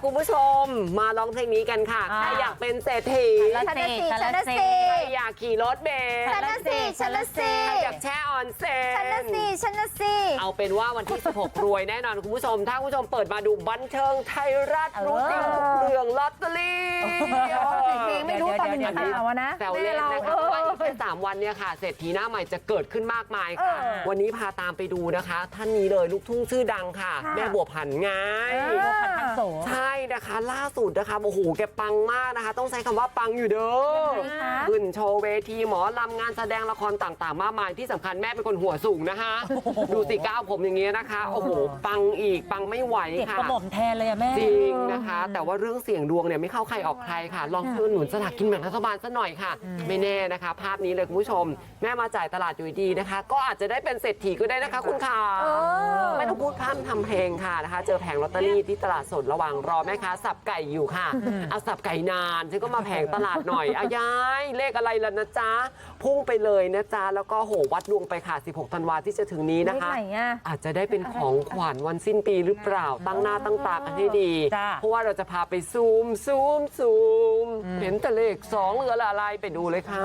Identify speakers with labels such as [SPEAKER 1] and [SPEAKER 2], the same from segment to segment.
[SPEAKER 1] คุณผู้ชมมาร้องเพลงนี้กันค่ะใครอยากเป็นเศรษฐี
[SPEAKER 2] ฉันน่ะสิฉันน่ะสิ
[SPEAKER 1] ใครอยากขี่รถเบนซ์
[SPEAKER 2] ฉันน่ะสิฉันน่ะสิ
[SPEAKER 1] ใครอยากแช่ออนเซ็น
[SPEAKER 2] ฉันน่ะสิฉันน่ะสิ
[SPEAKER 1] เอาเป็นว่าวันที่ 16 รวยแน่นอนคุณผู้ชมถ้าคุณผู้ชมเปิดมาดูบันเทิงไทยรัฐรู้จริงทุกเรื่องลอตเตอรี่
[SPEAKER 2] ไม่รู้ตอนเป็นข่าวนะ
[SPEAKER 1] แซวเล่นนะคะว่าอีกแค่3 วันเนี่ยค่ะเศรษฐีหน้าใหม่จะเกิดขึ้นมากมายค่ะวันนี้พาตามไปดูนะคะท่านนี้เลยลูกทุ่งชื่อดังค่ะแม่บัวผันไง
[SPEAKER 2] ผันทักโส
[SPEAKER 1] ใช่นะคะล่าสุดนะคะโอ้โหแกปังมากนะคะต้องใช้คำว่าปังอยู่เด้อขึ้นโชว์เวทีหมอลำงานแสดงละครต่างๆมากมายที่สำคัญแม่เป็นคนหัวสูงนะคะดูสิก้าวผมอย่างเงี้ยนะคะโอ้โหปังอีกปังไม่ไหวค่ะ
[SPEAKER 3] เจ็บกระหม่อมแทนเลยอะแม่
[SPEAKER 1] จริงนะคะแต่ว่าเรื่องเสี่ยงดวงเนี่ยไม่เข้าใครออกใครค่ะลองซื้อหนุนสลากกินแบ่งรัฐบาลซะหน่อยค่ะไม่แน่นะคะภาพนี้เลยคุณผู้ชมแม่มาจ่ายตลาดอยู่ดีนะคะก็อาจจะได้เป็นเศรษฐีก็ได้นะคะคุณค่ะไม่ต้องพูดพร่ำทำเพลงค่ะนะคะเจอแผงลอตเตอรี่ที่ตลาดสดระหว่างรอแม่ค้าสับไก่อยู่ค่ะเอาสับไก่นานฉันก็มาแผงตลาดหน่อยอายายเลขอะไรล่ะนะจ๊ะพุ่งไปเลยนะจ๊ะแล้วก็โหวัดดวงไปค่ะ16 ธันวาที่จะถึงนี้นะคะอาจจะได้เป็นของขวัญวันสิ้นปีหรือเปล่าตั้งหน้าตั้งตากันให้ดีเพราะว่าเราจะพาไปซูมเห็นแต่เลข2เหลืออะไรไปดูเลยค่ะ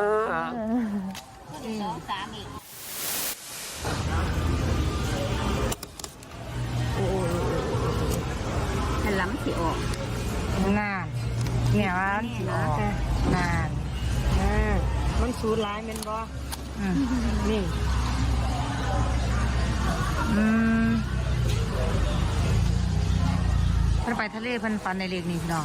[SPEAKER 4] ฉันล้ำสิออก
[SPEAKER 2] นานเนี่ยว่านานมันสูดร้ายมันบ่นี่เพิ่นไปทะเลเพิ่นฟันในเลขนี้พี่น้อง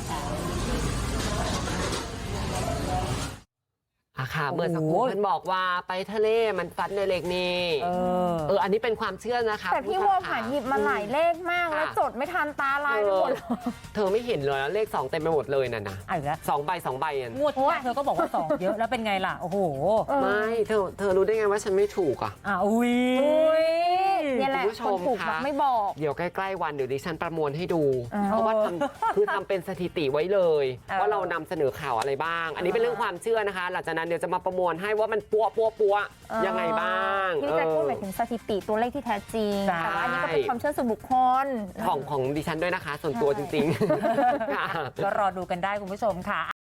[SPEAKER 1] ค่ะเมื่อสักครู่เพิ่นบอกว่าไปทะเลมันฟันในเลขนี้อันนี้เป็นความเชื่อนะคะ
[SPEAKER 2] แต่พี่วัวผ่านหยิบมาหลายเลขมากแล้วจดไม่ทันตาลายไปหมดเลย
[SPEAKER 1] เธอไม่เห็นเลยนะเลข2เต็มไปหมดเลยน่ะนะ
[SPEAKER 3] เอาอีกแล้ว
[SPEAKER 1] 2 ใบอ่ะ
[SPEAKER 3] งวดที่เธอก็บอกว่า2เยอะแล้วเป็นไงล่ะโอ้โห
[SPEAKER 1] ไม่เธอรู้ได้ไงว่าฉันไม่ถูกอ่ะ
[SPEAKER 3] อุ้ย
[SPEAKER 2] เนี่ยแหละ
[SPEAKER 1] คุณผู้ช
[SPEAKER 2] คน
[SPEAKER 1] ม
[SPEAKER 2] ถูก
[SPEAKER 1] ค่ะ
[SPEAKER 2] แบบไม่บอก
[SPEAKER 1] เดี๋ยวใกล้ๆวันเดี๋ยวดิฉันประมวลให้ดูเพราะว่าคือทำเป็นสถิติไว้เลยว่าเรานำเสนอข่าวอะไรบ้าง อันนี้เป็นเรื่องความเชื่อนะคะหลังจากนั้นเดี๋ยวจะมาประมวลให้ว่ามันปัวยังไงบ้าง
[SPEAKER 2] ที่จะพูดหมายถึงสถิติตัวเลขที่แท้จริงแต่ว่าอันนี้ก็เป็นความเชื่อส่วนบุคคล
[SPEAKER 1] ของดิฉันด้วยนะคะ ส่วนตัวจริงๆ
[SPEAKER 3] ก็รอดูกันได้คุณผู้ชมค่ะ